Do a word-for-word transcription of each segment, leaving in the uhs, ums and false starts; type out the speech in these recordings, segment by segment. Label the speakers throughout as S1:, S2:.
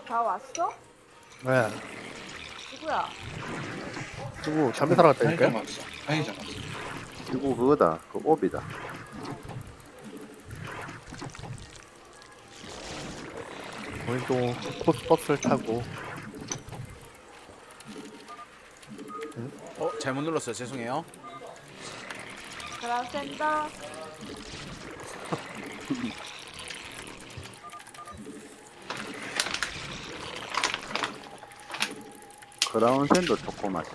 S1: 다 왔어?
S2: 네.
S1: 누구야?
S2: 누구 담배 사러
S3: 편의점
S2: 갔다니까요?
S3: 왔어. 편의점 왔어.
S4: 이거 그거다. 그 옵이다.
S2: 오늘 또 코스버스를 타고
S5: 어 잘못 눌렀어요. 죄송해요.
S1: 그라센더.
S4: 크라운샌도 초코 맛이.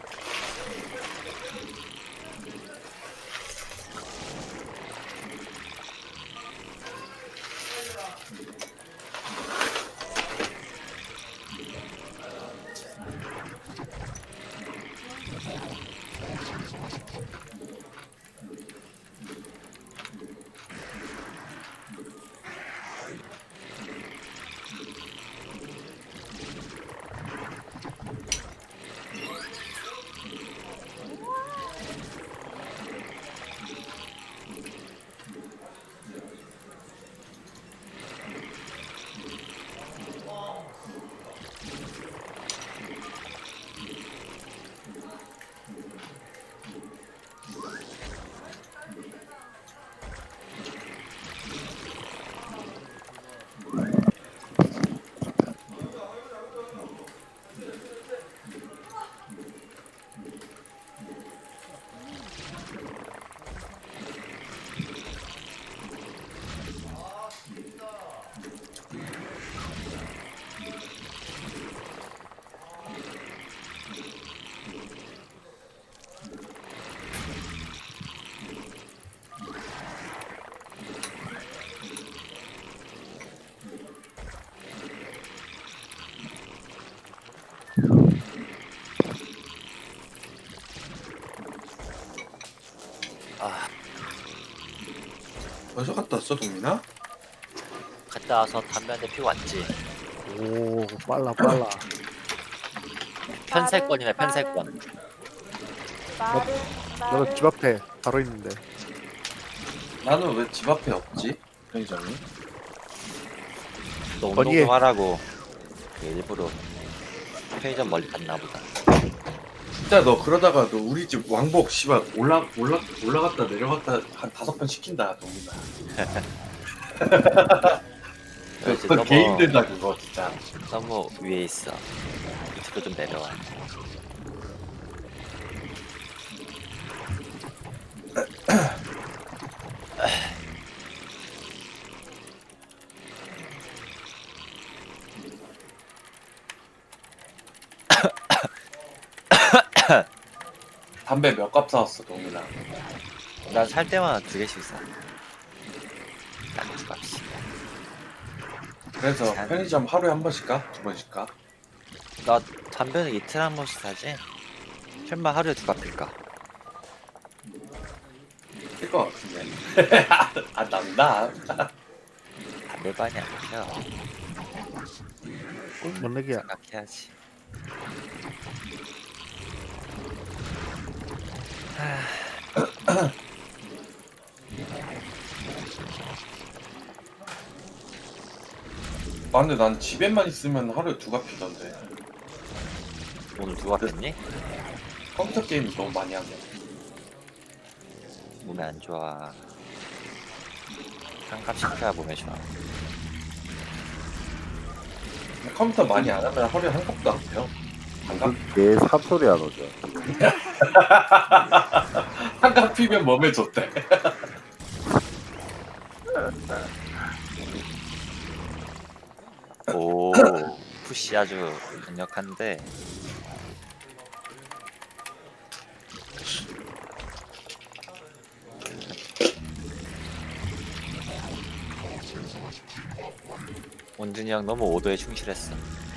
S3: 벌써 갔다 왔어, 동민아?
S6: 갔다 와서 담배 한 대 피고 왔지.
S2: 오 빨라 빨라.
S6: 편세권이네,
S1: 빠른,
S6: 편세권.
S1: 빠른,
S2: 나도
S1: 빠른.
S2: 집 앞에 바로 있는데.
S3: 나는 왜 집 앞에 없지? 편의점이?
S6: 또 운동
S2: 어디에?
S6: 좀 하라고 그 일부러 편의점 멀리 갔나 보다.
S3: 진짜 너 그러다가 너 우리 집 왕복 씨발 올라 올라 올라갔다 내려갔다 한 다섯 번 시킨다, 동민아.
S6: 이제
S3: 그거
S6: 너무-
S3: 개 힘들다 그거 진짜.
S6: 너무 위에 있어. 밑으로 좀 내려와.
S3: 담배 몇 갑 사왔어, 동민아?
S6: 난 살 때마다 두 개씩 사. 딱두 값이.
S3: 그래서
S6: 잘-
S3: 편의점 하루에 한 번씩 가? 두 번씩 가?
S6: 나 담배는 이틀에 한 번씩 사지. 설마 하루에 두 값일까?
S3: 쓸것 같은데. 아, 난다.
S6: 담배반이 안 펴.
S2: 뭔 얘기야?
S6: 생각해야지.
S3: 아, 근데 난 집에만 있으면 하루에 두 갑 피던데.
S6: 오늘 두 값했니?
S3: 컴퓨터 게임 너무 많이 하네.
S6: 몸에 안 좋아. 한 값씩 펴야 몸에 좋아.
S3: 컴퓨터 많이 안 하면 하루에 한 컵도 안 펴. 한 갑?
S4: 개 삽소리 안 오죠.
S3: 한 갑 피면 몸에 좋대.
S6: 오, 푸시 아주 강력한데. 원준이 형 너무 오도에 충실했어.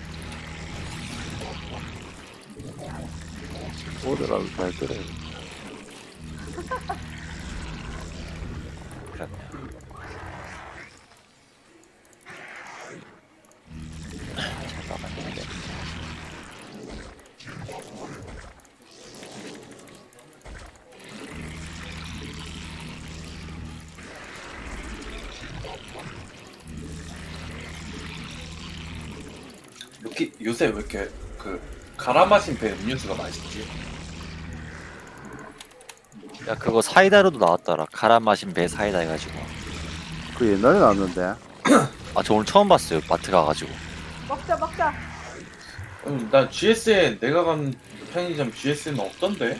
S4: 오더라도 잘 들어요.
S6: 그럼요. 잘 막았는데.
S3: 어떻게 요새 왜 이렇게 그 갈아 마신 배 음료수가 맛있지?
S6: 야 그거 사이다로도 나왔더라. 갈아 마신 배 사이다 해가지고.
S4: 그 옛날에 나왔는데.
S6: 아 저 오늘 처음 봤어요. 마트 가가지고.
S1: 먹자 먹자.
S3: 음, 나 지에스엔 내가 간 편의점 지에스엔 없던데?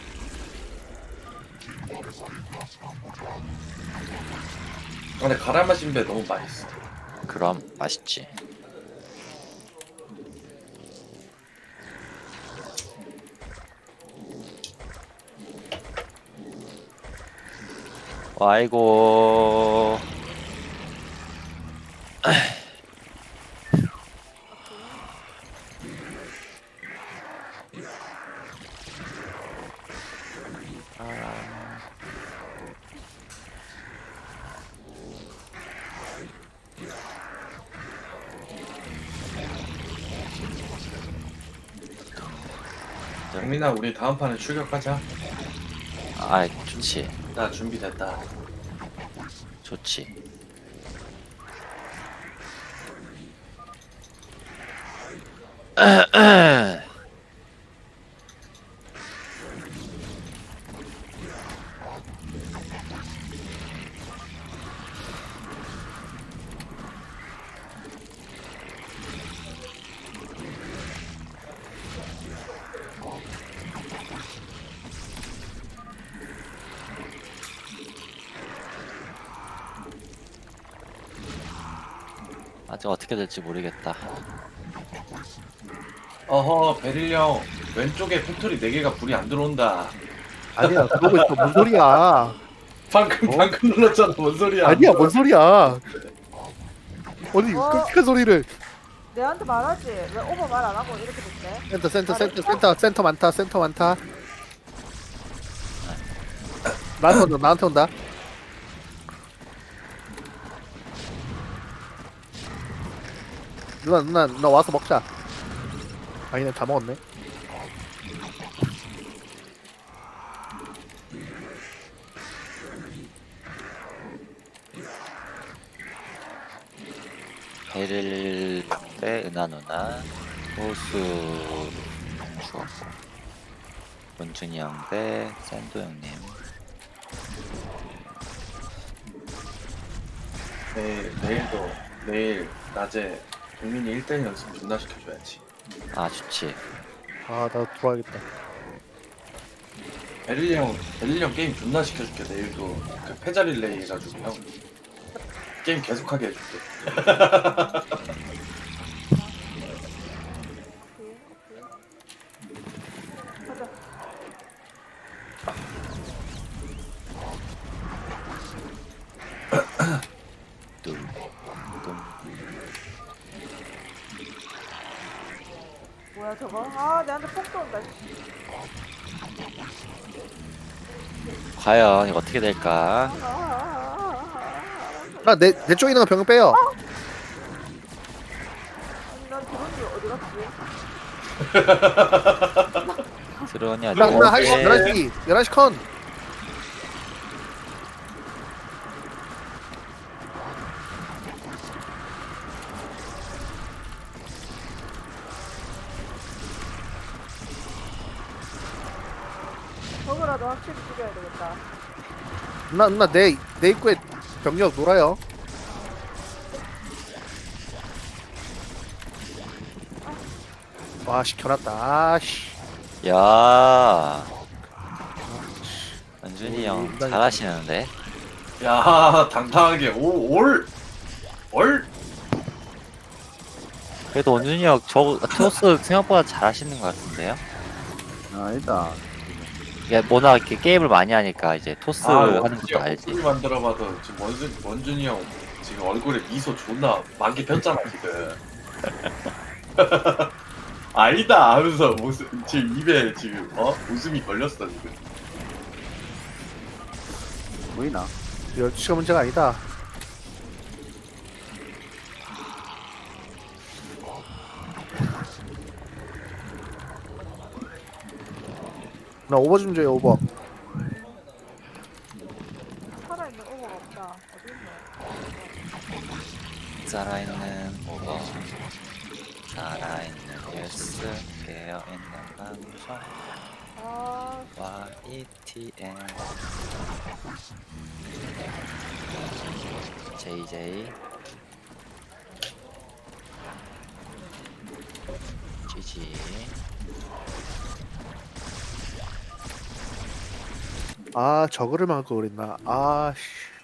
S3: 아, 근데 갈아 마신 배 너무 맛있어.
S6: 그럼 맛있지. 아이고.
S3: 정민아 우리 다음 판에 출격하자.
S6: 아 좋지.
S3: 나 준비됐다.
S6: 좋지. 아직 어떻게 될지 모르겠다.
S3: 어허 베릴 형 왼쪽에 팩토리 네 개가 불이 안 들어온다.
S2: 아니야 그러고 있어. 뭔 소리야?
S3: 방금
S2: 어?
S3: 방금 눌렀잖아. 뭔 소리야?
S2: 아니야 뭔 소리야? 아니
S1: 어?
S2: 끔찍한 소리를.
S1: 내한테 말하지. 왜 오버 말 안 하고 이렇게 됐대?
S2: 센터 센터 센터 센터 센터 많다 센터 많다. 나한테 온다 나한테 온다. 누나 누나 누나 와서 먹자. 아니네 다 먹었네.
S6: 베릴 대 은하 누나, 호수 죽었고, 원준이 형 대 샌도 형님.
S3: 내일 내일도 내일 낮에 동민이 일 대 일 연습 존나 시켜줘야지.
S6: 아 좋지.
S2: 아 나 돌아야겠다.
S3: 베릴 형 베릴 형 게임 존나 시켜줄게. 내일도 그 패자 릴레이 해가지고 형 게임 계속하게 해줄게.
S1: 오케이 오케이. 가자.
S6: 뚱, 뚱.
S1: 뭐야 저거? 아 내한테 폭 쏜다.
S6: 과연 이거 어떻게 될까?
S1: 아, 아, 아, 아, 아.
S2: 나내 내 쪽에 있는 거 병력 빼요.
S1: 아니 난 드론이 어디 갔지?
S6: 드론이 아주
S2: 나나 한 시
S6: 어제
S2: 열한 시 열한 시 컨.
S1: 저거라도 확실히 죽여야 되겠다.
S2: 누나 누나 내 내 입구에 병력 놀아요. 와 시켜놨다. 아씨.
S6: 야 원준이 형
S2: 음,
S6: 잘하시는데.
S3: 야 당당하게 오올 올.
S6: 그래도 원준이 형 저 토스 생각보다 잘하시는 것 같은데요?
S4: 아니다.
S6: 이게 워낙 이렇게 게임을 많이 하니까 이제 토스 하는 것도 알지.
S3: 목소리 만들어봐도 지금 원준 원준이 형 지금 얼굴에 미소 존나 많게 폈잖아 지금. 아니다 하면서 무슨 지금 입에 지금 어 웃음이 걸렸어 지금.
S4: 보이나?
S2: 열두 시가 문제가 아니다. 나 오버 좀 줘요 오버.
S1: 살아있는 오버가 없다. 어디 있노?
S6: 살아있는 오버. 살아있는 뉴스 깨어있는 방송
S1: 아,
S6: 와이티엔 제이제이 지지
S2: 아 저거를 막을 걸 그랬나 아씨